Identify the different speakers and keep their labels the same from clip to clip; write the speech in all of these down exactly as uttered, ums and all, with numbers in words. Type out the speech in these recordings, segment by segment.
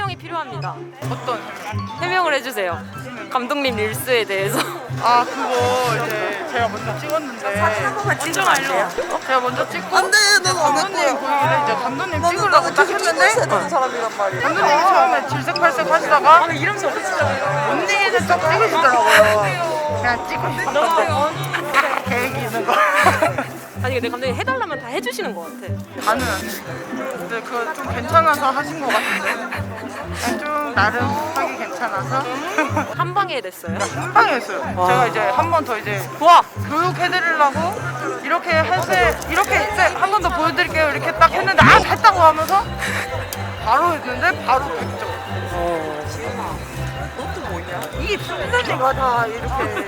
Speaker 1: 해명이 필요합니다.
Speaker 2: 어떤?
Speaker 1: 해명을 해주세요. 감독님 릴스에 대해서.
Speaker 2: 아 그거 이제 제가 먼저 찍었는데
Speaker 3: 한 번만 찍으면 안 돼요?
Speaker 2: 제가 먼저 찍고
Speaker 3: 안 돼, 넌안
Speaker 2: 감독님
Speaker 3: 할 거야.
Speaker 2: 보이길래 이제 감독님
Speaker 3: 나는
Speaker 2: 찍으려고
Speaker 3: 나는
Speaker 2: 딱
Speaker 3: 계속
Speaker 2: 했는데
Speaker 3: 찍어야 되는 사람이란 말이야.
Speaker 2: 감독님이 처음에 질색팔색 하시다가
Speaker 1: 이름 좀 진짜.
Speaker 2: 언니는 딱 찍으시더라고요. 그냥 찍고 싶었는데 계획이 있는 거.
Speaker 1: 아니 근데 감독님 해달라면 다 해주시는 것 같아.
Speaker 2: 다는 안 했어요. 근데 그거 좀 괜찮아서 하신 것 같은데 그냥 좀 나름 하기 괜찮아서
Speaker 1: 한 방에 됐어요.
Speaker 2: 한 방에 했어요. 제가 이제 한 번 더 이제
Speaker 1: 와.
Speaker 2: 교육해드리려고 이렇게 해세 이렇게 한 번 더 보여드릴게요 이렇게 딱 했는데 아 됐다고 하면서 바로 했는데 바로 백 점.
Speaker 3: 너또 뭐냐?
Speaker 2: 이게 순서지가 다 이렇게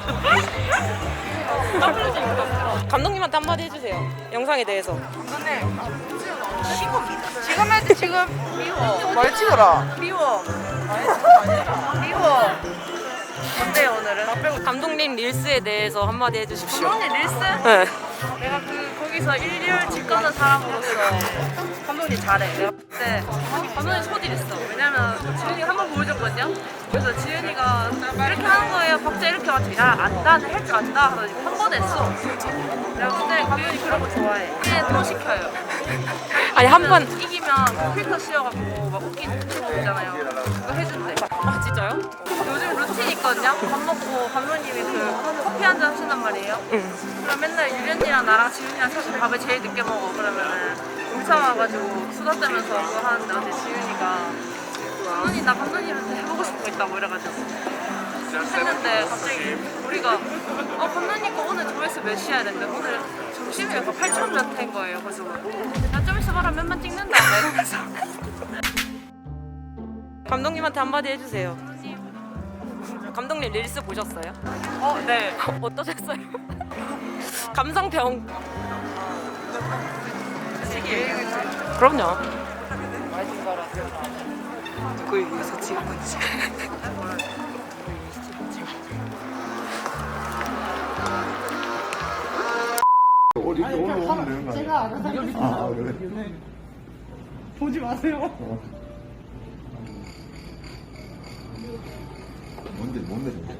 Speaker 1: 감독님한테 한마디 해주세요. 영상에 대해서.
Speaker 2: 감독님 지금 해도 지금 미워 말 찍어라 미워 미워 어때요 오늘은?
Speaker 1: 감독님 릴스에 대해서 한마디 해주십시오.
Speaker 4: 감독님 릴스?
Speaker 1: 네.
Speaker 4: 내가 그 거기서 일렬 직관한 사람으로서 감독님 잘해. 내가 그때 감독님 소질 있어. 왜냐면 지은이가 한 번 보여줬거든요. 그래서 지은이가 이렇게 하는 거예요. 박자 이렇게 맞춰. 야 안다, 할 줄 안다 하더니 한 번 했어. 내가 그때 감독님 그런 거 좋아해. 그냥 또 시켜요.
Speaker 1: 아니 한 번.
Speaker 4: 이기면 필터 씌워갖고 막 웃긴 친구 있잖아요. 그거 해준대.
Speaker 1: 아 진짜요?
Speaker 4: 요즘 루틴 있거든요. 밥 먹고 감독님이 그 커피 한 잔 하신단 말이에요.
Speaker 1: 응.
Speaker 4: 그럼 맨날 유련이랑 나랑 지윤이랑 사실 밥을 제일 늦게 먹어. 그러면은 울산 와가지고 수다 떨면서 그거 하는데 어제 지윤이가 감독님 나 감독님한테 해보고 싶은 거 있다고 이래가지고 했는데 갑자기 우리가 어 감독님 거 오늘 조회수 몇 시야 했는데 오늘 점심에 약간 팔천 몇 회인 거예요. 그래서 나 좀 있어봐라 몇만 찍는다 이러면서
Speaker 1: 감독님한테 한마디 해주세요. 감독님 릴스 보셨어요?
Speaker 4: 어 네.
Speaker 1: 어떠셨어요? 감상평. 그럼요.
Speaker 3: 누구에 의해서 찍은 건지.
Speaker 5: 어디 오늘 오면 되는 거 아니야? 제가 알아서 아 그래?
Speaker 2: 보지 마세요.
Speaker 5: 뭔데 뭔데